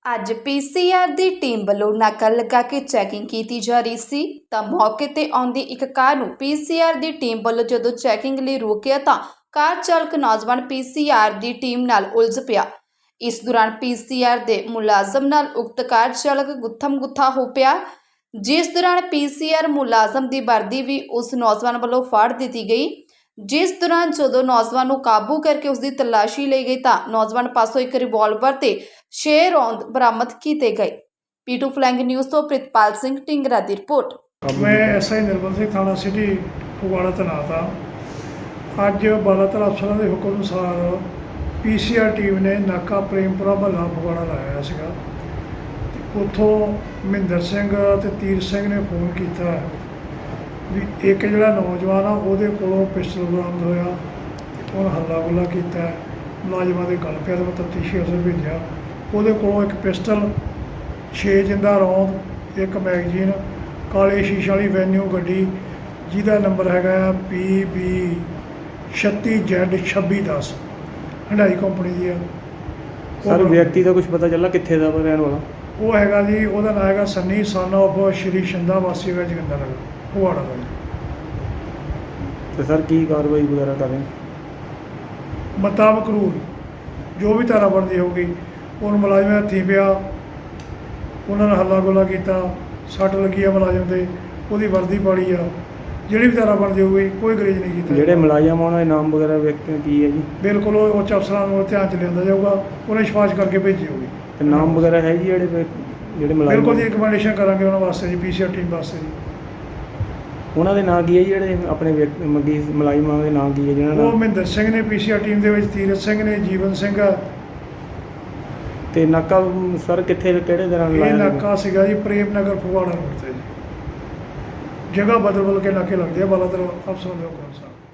ਅੱਜ ਪੀਸੀਆਰ ਦੀ ਟੀਮ ਵੱਲੋਂ ਨਾਕਾ ਲਗਾ ਕੇ ਚੈਕਿੰਗ ਕੀਤੀ ਜਾ ਰਹੀ ਸੀ ਤਾਂ ਮੌਕੇ ਤੇ ਆਉਂਦੀ ਇੱਕ ਕਾਰ ਨੂੰ ਪੀਸੀਆਰ ਦੀ ਟੀਮ ਵੱਲੋਂ ਜਦੋਂ ਚੈਕਿੰਗ ਲਈ ਰੋਕਿਆ ਤਾਂ ਕਾਰ ਚਾਲਕ ਨੌਜਵਾਨ ਪੀਸੀਆਰ ਦੀ ਟੀਮ ਨਾਲ ਉਲਝ ਪਿਆ। ਇਸ ਦੌਰਾਨ ਪੀਸੀਆਰ ਦੇ ਮੁਲਾਜ਼ਮ ਨਾਲ ਉਕਤ ਕਾਰ ਚਾਲਕ ਗੁੱਥਮ ਗੁੱਥਾ ਹੋ ਪਿਆ, ਜਿਸ ਦੌਰਾਨ ਪੀਸੀਆਰ ਮੁਲਾਜ਼ਮ ਦੀ ਵਰਦੀ ਵੀ ਉਸ ਨੌਜਵਾਨ ਵੱਲੋਂ ਫਾੜ ਦਿੱਤੀ ਗਈ। जिस दौरान जो नौजवान को काबू करके उसकी तलाशी ली गई तो नौजवान पासों एक रिवॉल्वर ते 6 रौंद बरामद किए गए। पीटू फ्लैंग न्यूज़ तो प्रितपाल सिंह टिंगरा की रिपोर्ट। मैं एसआई निर्मल सिंह थाना सिटी फगवाड़ा तैनात हाँ। अज बालातर अफसरों के हुक्म अनुसार पीसीआर टीम ने नाका प्रेमपुरा महला फगवाड़ा लाया सीगा। उत्थों महिंदर सिंह ते तीर सिंह ने फोन किया भी एक जोड़ा नौजवान आ वो पिस्टल बरामद होया, उन्हें हल्ला गुल्ला किया, मुलाजमान के गल पिया तो मैं तफ्तीशी अफसर भेजा। वो एक पिस्टल 6 जिंदा रौंद, एक मैगजीन, काले शीशे वाली वैन्यू गड्डी जिहदा नंबर है PB 36Z2610 हंडाई कंपनी की है। सर व्यक्ति का कुछ पता चला कित्थे दा रहने वाला? वो है जी, वह नाम है सन्नी सन ऑफ श्री शिंदा वासी है जोगिंदर नगर फगवाड़ा का। तो सर की कार्रवाई वगैरह कर रहे हैं? मुताबिक रूल जो भी धारा बनती होगी उन मुलाजम हथी पिया, उन्होंने हल्ला गुल्ला किया, सट लगी है मुलाजम से, वो वर्दी पाड़ी आ, जी भी धारा बनती होगी कोई गरेज नहीं किया। ਜਿਹੜੇ ਮੁਲਾਜ਼ਮ ਉਹਨਾਂ ਦੇ ਨਾਮ ਵਗੈरह व्यक्ति की है जी? बिल्कुल उच्च अफसरों को ध्यान च लिया जाऊगा, उन्हें सिफारिश करके भेजी होगी। ਤੇ ਨਾਮ वगैरह है जी ਜਿਹੜੇ ਮੁਲਾਜ਼ਮ? बिल्कुल जी रिकमेंडेशन करांगे उन्होंने वास्ते जी पीसीआर टीम वास्ते जी। ਉਹਨਾਂ ਦੇ ਨਾਂ ਕੀ ਹੈ ਜੀ ਜਿਹੜੇ ਆਪਣੇ ਮੰਗੀ ਮੁਲਾਜ਼ਮਾਂ ਦੇ ਨਾਂ ਕੀ ਹੈ ਜਿਹਨਾਂ ਉਹ ਦਾ? ਮਹਿੰਦਰ ਸਿੰਘ ਨੇ ਪੀਸੀਆਰ ਟੀਮ ਦੇ ਵਿੱਚ, ਤੀਰਥ ਸਿੰਘ ਨੇ, ਜੀਵਨ ਸਿੰਘ ਆ। ਤੇ ਨਾਕਾ ਸਰ ਕਿੱਥੇ ਕਿਹੜੇ ਦੌਰਾਨ ਇਹ ਲਾਇਆ? ਨਾਕਾ ਸੀਗਾ ਜੀ ਪ੍ਰੇਮ ਨਗਰ ਫਗਵਾੜਾ ਰੋਡ ਤੇ ਜੀ। ਜਗ੍ਹਾ ਬਦਲ ਕੇ ਨਾਕੇ ਲੱਗਦੇ ਆ ਬਾਲਾਦਰ ਅਫਸਰਾਂ ਦੇ ਹੁਕਮ ਅਨੁਸਾਰ।